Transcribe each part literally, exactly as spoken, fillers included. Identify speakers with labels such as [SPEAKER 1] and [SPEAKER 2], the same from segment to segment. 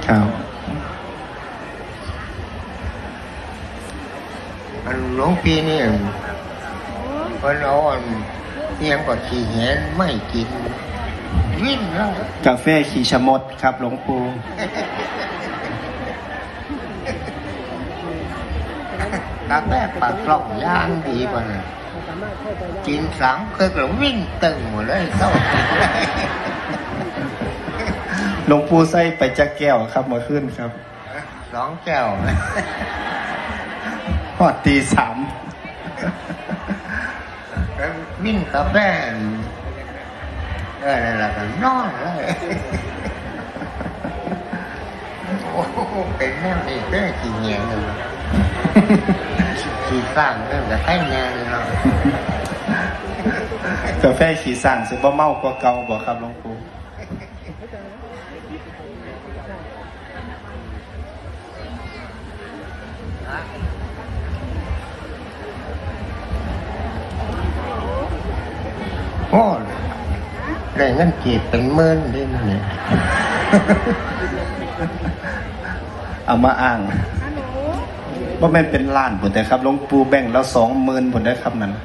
[SPEAKER 1] ครับ
[SPEAKER 2] อันหลวงพี่นี่เพิ่นเอาอันเอียงกว่าขี้แหนไม่กินวิ่งแล้ว
[SPEAKER 1] กาแฟขี้ชะมดครับหลวงปู่
[SPEAKER 2] กาแฟปากกล่องย่างดีป่ะเนี่ยกินสามเคยก็วิ่งตึงหมดเลยเศร้า
[SPEAKER 1] หลวงปู่ใส่ไปจักแก้วครับมาขึ้นครับ
[SPEAKER 2] สองแก้ว
[SPEAKER 1] พอตีสาม
[SPEAKER 2] วิ่งกาแฟเออนั่นแหละก็นอนเลยโอ้โหเป็นแนวนี้ได้กี่เงี้ยเลยขี่สร้างเรื่องจะให้แน่เลยเนาะ
[SPEAKER 1] กาแฟขี่สั่งสิบ่เมากว่าเก่าบ่ครับหลวงปู่
[SPEAKER 2] โอ้ได้เงินกีบเป็นหมื่นได้มั้ยเนี่ย
[SPEAKER 1] เอามาอ้างว่าแม่นเป็นล้านผลแต่ครับหลวงปู่แบ่งแล้วสองหมื่นผลได้ครับนั้น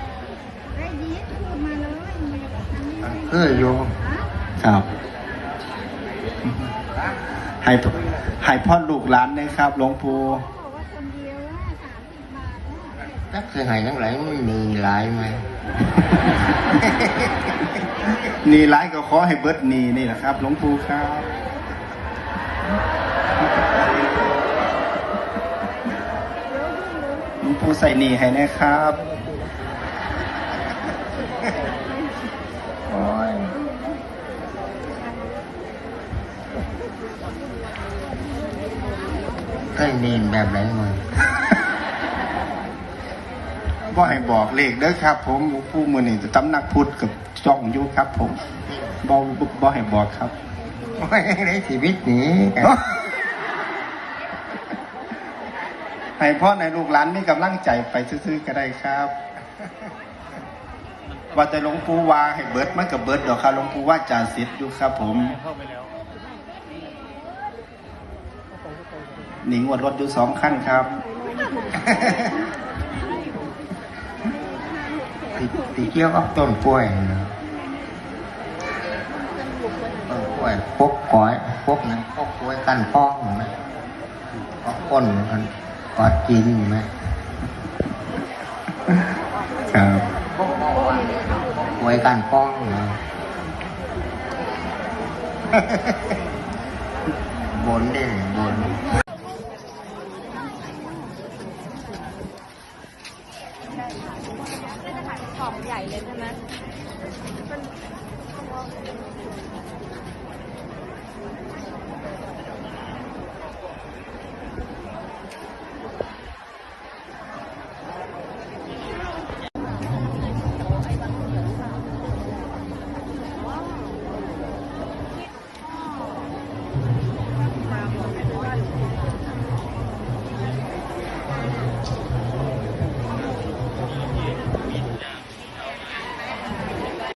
[SPEAKER 2] คืออยู่
[SPEAKER 1] ครับให้ให้พ่อลูกหลานนะครับหลวงปู่
[SPEAKER 2] นักคือให้ทั้งหลายมันมีหลายไหม
[SPEAKER 1] นีหลายก็ขอให้เบิดนีนี่แหละครับหลวงปู่ครับหลวงปู่ใส่นีให้นะครับ
[SPEAKER 2] โอ้ยเคยนีแบบไหนมึง
[SPEAKER 1] บ่ให้บอกเลขเด้อครับผมหลวงปู่มื้อนี้ตำนักพุทธกับจ้องอยู่ครับผมบ่บ่ให้บอกครับ
[SPEAKER 2] โอ้ยในชีวิตนี้
[SPEAKER 1] ให้พ่อในลูกหลานมีกำลังใจไปซื่อๆก็ได้ครับว่าแต่หลวงปู่ว่าให้เบิดมันก็เบิดดอกครับหลวงปู่ว่าจ่าสิทธิ์อยู่ครับผมหนิงวดรถอยู่สองคันครับ
[SPEAKER 2] ติเกี่ยวกับต้นกล้วยนะต้นกล้วยพกก้อยพกนั้นพกกล้วยกันป้องไหมพกก้นมันกอดกินไหม
[SPEAKER 1] ครับ
[SPEAKER 2] กล้วยกันป้องนะบนได้บน
[SPEAKER 3] ของใหญ่เลยใช่ไหม